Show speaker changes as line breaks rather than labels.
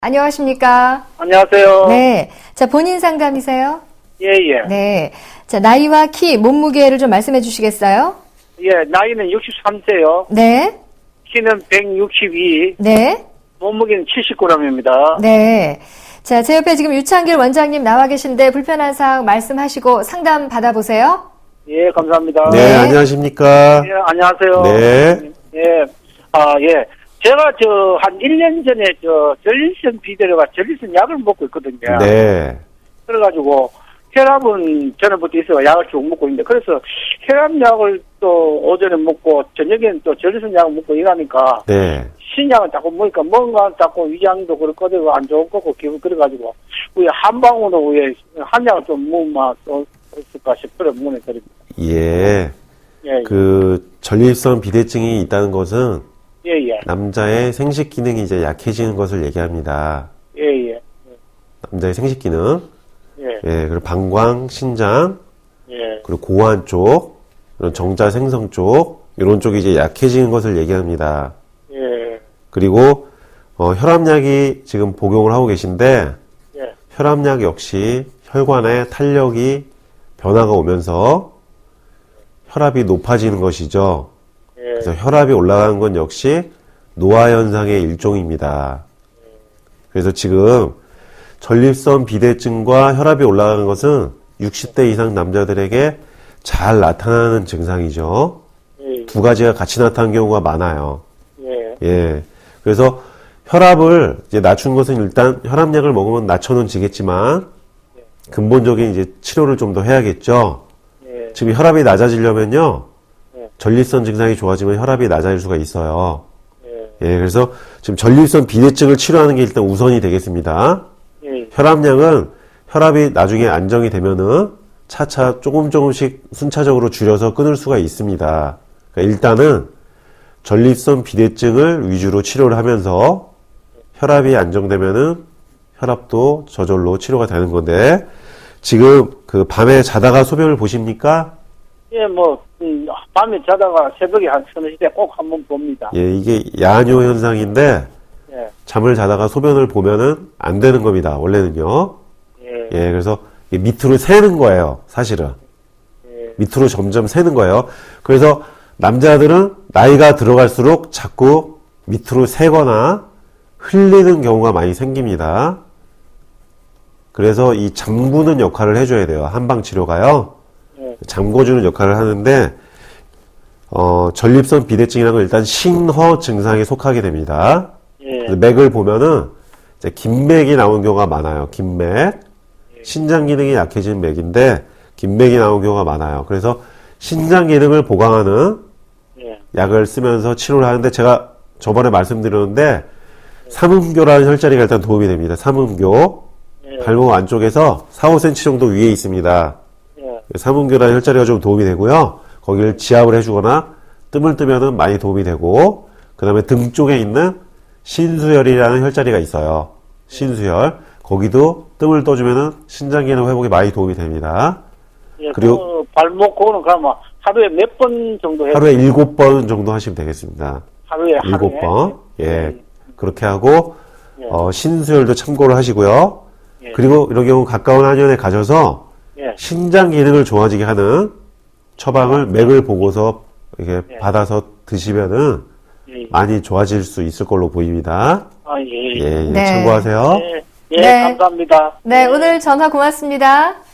안녕하십니까?
안녕하세요.
네. 자, 본인 상담이세요?
예, 예.
네. 자, 나이와 키, 몸무게를 좀 말씀해 주시겠어요?
예, 나이는 63세요.
네.
키는 162,
네.
몸무게는 70g입니다.
네. 자, 제 옆에 지금 유창길 원장님 나와 계신데 불편한 사항 말씀하시고 상담 받아보세요.
예, 감사합니다.
네, 안녕하십니까.
예, 안녕하세요.
네.
예, 예. 제가 한 1년 전에 전립선 비대료가 전립선 약을 먹고 있거든요.
네.
그래가지고 혈압은 전에부터 있어서 약을 쭉 먹고 있는데, 그래서 혈압약을 또 오전에 먹고 저녁에는 또 전립선 약을 먹고 이러니까
네.
신약은 자꾸 먹으니까 뭔가 자꾸 위장도 그렇고 안 좋을 거고 기분 그래가지고 왜 한 방으로 왜 한 약을 좀 먹으면 또 있을까 싶어요. 문해드립니다.
예.
예,
전립선 비대증이 있다는 것은
예, 예,
남자의 생식 기능이 이제 약해지는 것을 얘기합니다.
예, 예,
남자의 생식 기능.
예,
예. 그리고 방광, 신장,
예,
그리고 고환 쪽, 이런 정자 생성 쪽, 이런 쪽이 이제 약해지는 것을 얘기합니다.
예,
그리고 혈압약이 지금 복용을 하고 계신데
예,
혈압약 역시 혈관에 탄력이 변화가 오면서 혈압이 높아지는 것이죠. 그래서 혈압이 올라가는 건 역시 노화 현상의 일종입니다. 그래서 지금 전립선 비대증과 혈압이 올라가는 것은 60대 이상 남자들에게 잘 나타나는 증상이죠.
예,
두 가지가 같이 나타나는 경우가 많아요.
예,
예. 그래서 혈압을 이제 낮춘 것은 일단 혈압약을 먹으면 낮춰는 지겠지만 근본적인 이제 치료를 좀 더 해야겠죠.
예,
지금 혈압이 낮아지려면요.
네.
전립선 증상이 좋아지면 혈압이 낮아질 수가 있어요.
예,
예, 그래서 지금 전립선 비대증을 치료하는 게 일단 우선이 되겠습니다.
예,
혈압약은 혈압이 나중에 안정이 되면은 차차 조금씩 순차적으로 줄여서 끊을 수가 있습니다. 그러니까 일단은 전립선 비대증을 위주로 치료를 하면서 혈압이 안정되면은 혈압도 저절로 치료가 되는 건데, 지금 그 밤에 자다가 소변을 보십니까?
예, 밤에 자다가 새벽에 한 서너 시대 꼭 한번 봅니다.
예, 이게 야뇨 현상인데,
예,
잠을 자다가 소변을 보면은 안 되는 겁니다, 원래는요.
예,
예, 그래서 이게 밑으로 새는 거예요, 사실은.
예,
밑으로 점점 새는 거예요. 그래서 남자들은 나이가 들어갈수록 자꾸 밑으로 새거나 흘리는 경우가 많이 생깁니다. 그래서 이 잠그는 역할을 해줘야 돼요. 한방치료가요.
예,
잠궈주는 역할을 하는데, 전립선 비대증이라는 건 일단 신허 증상에 속하게 됩니다.
예,
그래서 맥을 보면은 이제 긴맥이 나오는 경우가 많아요. 긴맥. 신장 기능이 약해진 맥인데 긴맥이 나오는 경우가 많아요. 그래서 신장 기능을 보강하는
예,
약을 쓰면서 치료를 하는데, 제가 저번에 말씀드렸는데 삼음교라는 혈자리가 일단 도움이 됩니다. 삼음교. 발목 안쪽에서 4, 5cm 정도 위에 있습니다.
예,
삼음교라는 혈자리가 좀 도움이 되고요. 거기를 지압을 해주거나 뜸을 뜨면은 많이 도움이 되고, 그 다음에 등 쪽에 있는 신수혈이라는 혈자리가 있어요. 신수혈. 거기도 뜸을 떠주면은 신장 기능 회복에 많이 도움이 됩니다.
예.
그리고
발목 그거는 그러면 하루에 몇 번 정도 해요?
하루에 7번 정도 하시면 되겠습니다.
하루에
7번. 예. 그렇게 하고,
예.
신수혈도 참고를 하시고요.
예.
그리고 이런 경우 가까운 한의원에 가셔서
예,
신장 기능을 좋아지게 하는 처방을 맥을 보고서 이렇게
예.
받아서 드시면은
예,
많이 좋아질 수 있을 걸로 보입니다.
예,
예,
네.
참고하세요.
예, 예,
네.
감사합니다.
네, 오늘 전화 고맙습니다.